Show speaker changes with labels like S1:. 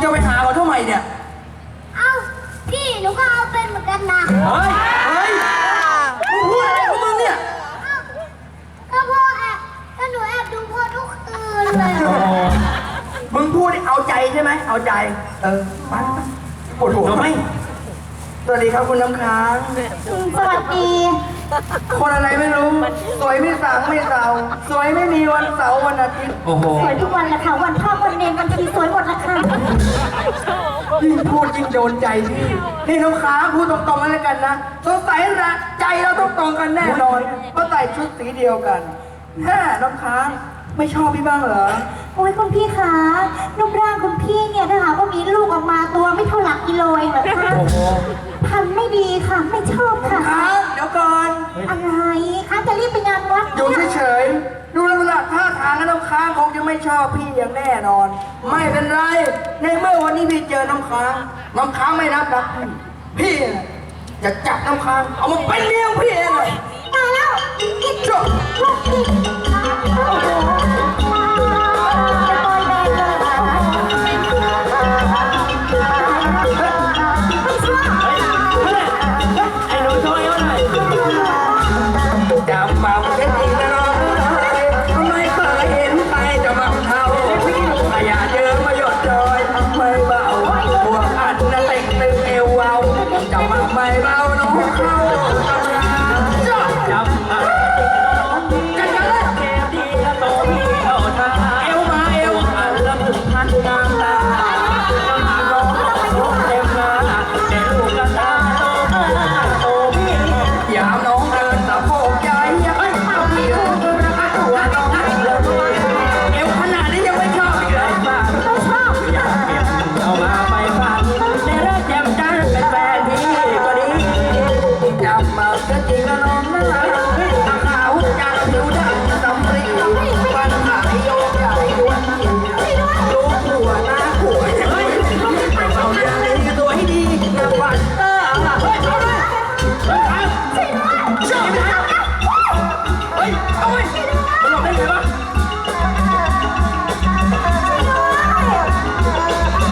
S1: จะไปหาเขาทำไมเนี่ย
S2: เอ้าพี่หนูก็เอาเป็นเหมือนกันนะ
S1: เฮ้ยมึงพูดอะไรของมึงเนี่ย
S2: ก็พ่อแอบก็หนูแอบดูพ่อทุกคืนเลย
S1: มึงพูดเอาใจใช่ไหมเอาใจไปปวดหัวไหมสวัสดีครับคุณน้ำค้าง
S2: สวัสดี
S1: คนอะไรไม่รู้สวยไม่สางไม่เสาสวยไม่มีวันเสาร์วันอาทิตย์โอ้โห
S2: สวยทุกวันแหละค่ะวันพ่อวันเนรวันทีสวยหมดละค่ะ
S1: ยิ่งพูดยิ่งโดนใจพี่นี่น้ำค้างพูดตรงๆกันแล้วกันนะสงสัยนะใจเราต้องตรงกันแน่นอนเพราะใส่ชุดสีเดียวกันแฮ่น้ำค้างไม่ชอบพี่บ้างเหรอ
S2: โอ้ยคุณพี่คะรูปร่างคุณพี่เนี่ยถ้าหากว่ามีลูกออกมาตัวไม่เท่าหลักกิโลเองเหรอคะพันไม่ดีค่ะไม่ชอบค่ะ
S1: เดี๋ยวก่อน
S2: อะไรคะจะรีบไปงานวัด
S1: อยู่เฉยๆดูลักษณะท่าทางน้ำค้างคงจะไม่ชอบพี่อย่างแน่นอนไม่เป็นไรในเมื่อวันนี้พี่เจอน้ำค้างไม่รับรักพี่จะจับน้ำค้างเอามาเป็นเลี้ยงพี่เองเลย
S2: ตายแล้ว
S1: จบไม่เบาน้องเข้าจับมากันเลยเกมดีแล้วโตพี่เข้าท่าเอวมาเอวอันละมุนพันงามตาน้องเต็มหน้าเด็กลูกกระตาโตพี่ยามน้องเดินสะโพกใหญ่เฮ้ยเอาพี่เดินรักตัวน้องเลยเอวขนาดนี้ยังไม่ชอบอีกเลยบ้าไม่ชอบอยากเก็บเอามาไปฟังในเรื่องแจ่มจันเป็นแฟนพี่จับมาก็จริงแล้วน้องนะตาขาวจังผิวดำสำลีฟันขายโยกใหญ่ด้วยลูกหัวหน้าหัวเฮ้ยเอาอย่างนี้ตัวให้ดีนะวันเฮ้ยเอาเลยเฮ้ย